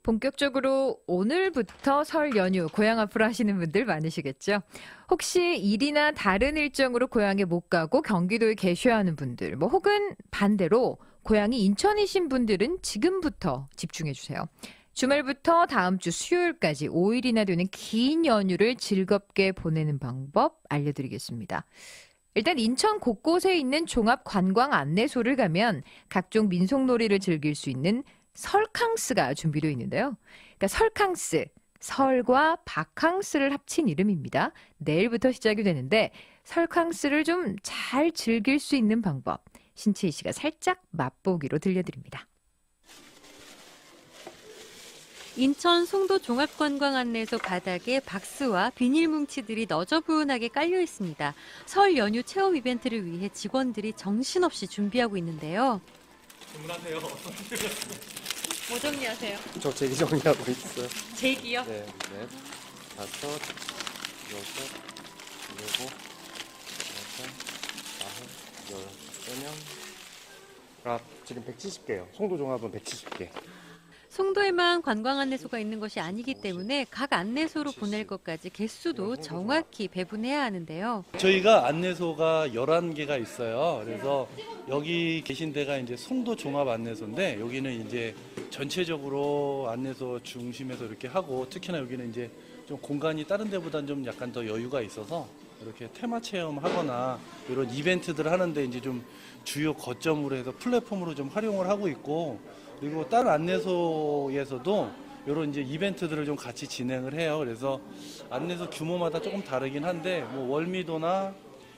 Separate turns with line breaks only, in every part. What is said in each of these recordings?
본격적으로 오늘부터 설 연휴 고향 앞으로 하시는 분들 많으시겠죠. 혹시 일이나 다른 일정으로 고향에 못 가고 경기도에 계셔야 하는 분들, 혹은 반대로 고향이 인천이신 분들은 지금부터 집중해 주세요. 주말부터 다음 주 수요일까지 5일이나 되는 긴 연휴를 즐겁게 보내는 방법 알려드리겠습니다. 일단 인천 곳곳에 있는 종합 관광 안내소를 가면 각종 민속놀이를 즐길 수 있는 설캉스가 준비되어 있는데요. 그러니까 설캉스, 설과 바캉스를 합친 이름입니다. 내일부터 시작이 되는데 설캉스를 좀 잘 즐길 수 있는 방법, 신채희 씨가 살짝 맛보기로 들려드립니다.
인천 송도 종합관광안내소 바닥에 박스와 비닐 뭉치들이 너저분하게 깔려 있습니다. 설 연휴 체험 이벤트를 위해 직원들이 정신없이 준비하고 있는데요.
주문하세요.
뭐 정리하세요?
저 제기 정리하고 있어요.
제기요?
네, 넷, 다섯, 여섯, 일곱, 여덟, 아홉, 열, 14명. 아, 지금 170개요. 송도 종합은 170개.
송도에만 관광안내소가 있는 것이 아니기 때문에 각 안내소로 보낼 것까지 개수도 정확히 배분해야 하는데요.
저희가 안내소가 11개가 있어요. 그래서 여기 계신 데가 이제 송도 종합 안내소인데 여기는 이제 전체적으로 안내소 중심에서 이렇게 하고 특히나 여기는 이제 좀 공간이 다른 데보다는 좀 약간 더 여유가 있어서 이렇게 테마 체험하거나 이런 이벤트들을 하는데 이제 좀 주요 거점으로 해서 플랫폼으로 좀 활용을 하고 있고 그리고 다른 안내소에서도 이런 이제 이벤트들을 좀 같이 진행을 해요. 그래서 안내소 규모마다 조금 다르긴 한데 월미도나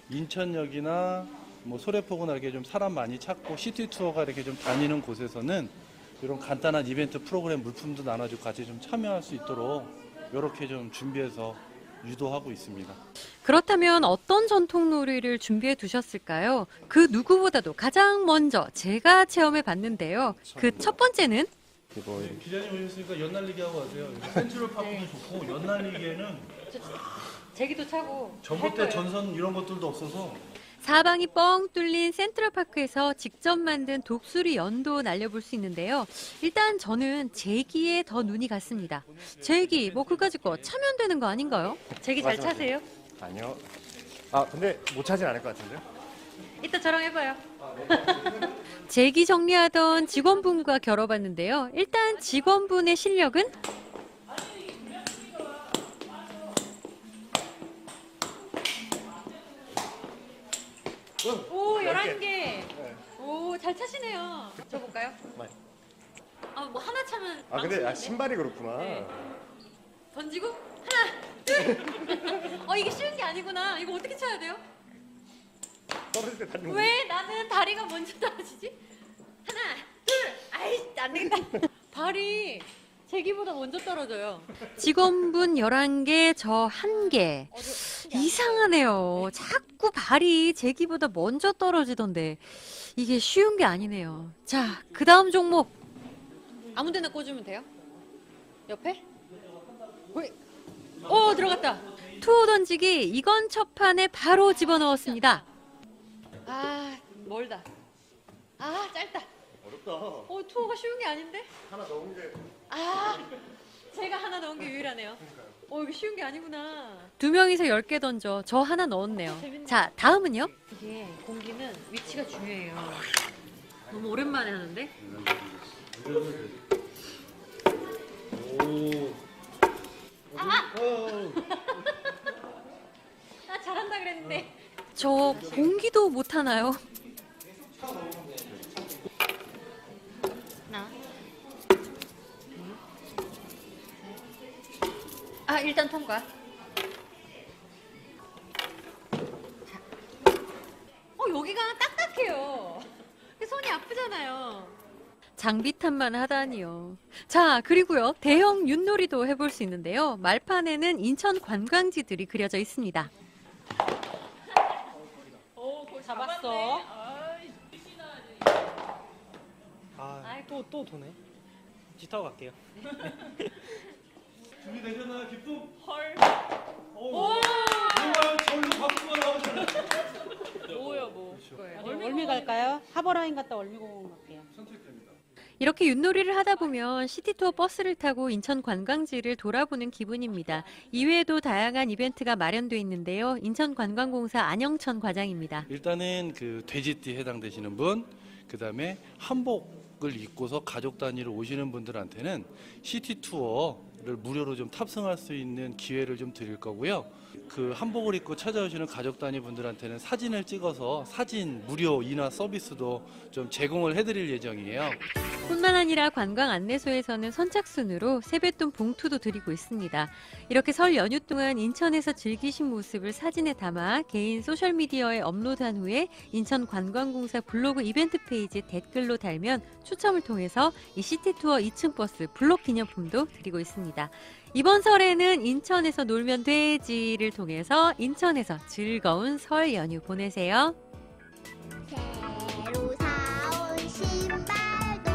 인천역이나 소래포구나 이렇게 좀 사람 많이 찾고 시티 투어가 이렇게 좀 다니는 곳에서는 이런 간단한 이벤트 프로그램 물품도 나눠주고 같이 좀 참여할 수 있도록 이렇게 좀 준비해서 유도하고 있습니다.
그렇다면 어떤 전통놀이를 준비해 두셨을까요? 그 누구보다도 가장 먼저 제가 체험해 봤는데요. 그 첫 번째는
기자님 오셨으니까 연날리기 하고 가세요. 센트럴 파크도 좋고 연날리기에는
제기도 차고
전봇대 전선 이런 것들도 없어서
사방이 뻥 뚫린 센트럴파크에서 직접 만든 독수리 연도 날려볼 수 있는데요. 일단 저는 제기에 더 눈이 갔습니다. 제기, 그거 가지고 차면 되는 거 아닌가요? 제기 잘 차세요?
아니요. 아, 근데 못 차진 않을 것 같은데요?
이따 저랑 해봐요. 제기 정리하던 직원분과 겨뤄봤는데요. 일단 직원분의 실력은? 오, 11개. 오, 잘 차시네요. 저 볼까요?
네.
하나 차면
근데 신발이 그렇구나.
네. 던지고 하나, 둘. 이게 쉬운 게 아니구나. 이거 어떻게 쳐야 돼요?
떨어질 때 다리는
왜 나는 다리가 먼저 떨어지지? 하나, 둘. 아이, 안 되겠다. 발이 제기보다 먼저 떨어져요. 직원분 11개, 저 1개. 이상하네요. 자꾸 발이 제기보다 먼저 떨어지던데 이게 쉬운 게 아니네요. 자, 그 다음 종목. 아무 데나 꽂으면 돼요? 옆에? 오, 들어갔다. 투호 던지기, 이건 첫 판에 바로 집어넣었습니다. 아, 멀다. 아, 짧다.
어렵다.
투호가 쉬운 게 아닌데?
하나 넣은 게.
제가 하나 넣은 게 유일하네요. 이게 쉬운 게 아니구나. 2명이서 10개 던져. 저 하나 넣었네요. 자, 다음은요? 이게 공기는 위치가 중요해요. 너무 오랜만에 하는데? 잘한다 그랬는데. 저 공기도 못 하나요? 일단 통과. 여기가 딱딱해요. 손이 아프잖아요. 장비탄만 하다니요. 자, 그리고요. 대형 윷놀이도 해볼 수 있는데요. 말판에는 인천 관광지들이 그려져 있습니다. 잡았어.
또 도네. 뒤타고 갈게요.
준비되셨나요? 기쁨?
헐.
오! 정말 절로 박수가 나오잖아요.
뭐요?
월미 갈까요? 하버라인 갔다 월미공원 갈게요.
선택됩니다.
이렇게 윷놀이를 하다 보면 시티투어 버스를 타고 인천 관광지를 돌아보는 기분입니다. 이외에도 다양한 이벤트가 마련돼 있는데요. 인천관광공사 안영천 과장입니다.
일단은 그 돼지띠 해당되시는 분, 그다음에 한복을 입고서 가족 단위로 오시는 분들한테는 시티 투어를 무료로 좀 탑승할 수 있는 기회를 좀 드릴 거고요. 그 한복을 입고 찾아오시는 가족 단위 분들한테는 사진을 찍어서 사진 무료 인화 서비스도 좀 제공을 해드릴 예정이에요.
뿐만 아니라 관광 안내소에서는 선착순으로 세뱃돈 봉투도 드리고 있습니다. 이렇게 설 연휴 동안 인천에서 즐기신 모습을 사진에 담아 개인 소셜미디어에 업로드한 후에 인천관광공사 블로그 이벤트 페이지에 댓글로 달면 추첨을 통해서 이 시티투어 2층 버스 블록 기념품도 드리고 있습니다. 이번 설에는 인천에서 놀면 되지를 통해서 인천에서 즐거운 설 연휴 보내세요.
새로 사온 신발도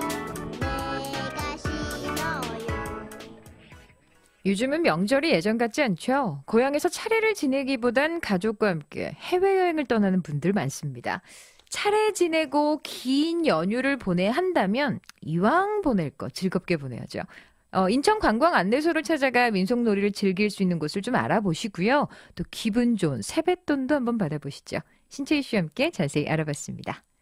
내가 신어요.
요즘은 명절이 예전 같지 않죠? 고향에서 차례를 지내기보단 가족과 함께 해외여행을 떠나는 분들 많습니다. 차례 지내고 긴 연휴를 보내야 한다면 이왕 보낼 거 즐겁게 보내야죠. 인천 관광 안내소를 찾아가 민속놀이를 즐길 수 있는 곳을 좀 알아보시고요. 또 기분 좋은 세뱃돈도 한번 받아보시죠. 신채희 씨와 함께 자세히 알아봤습니다.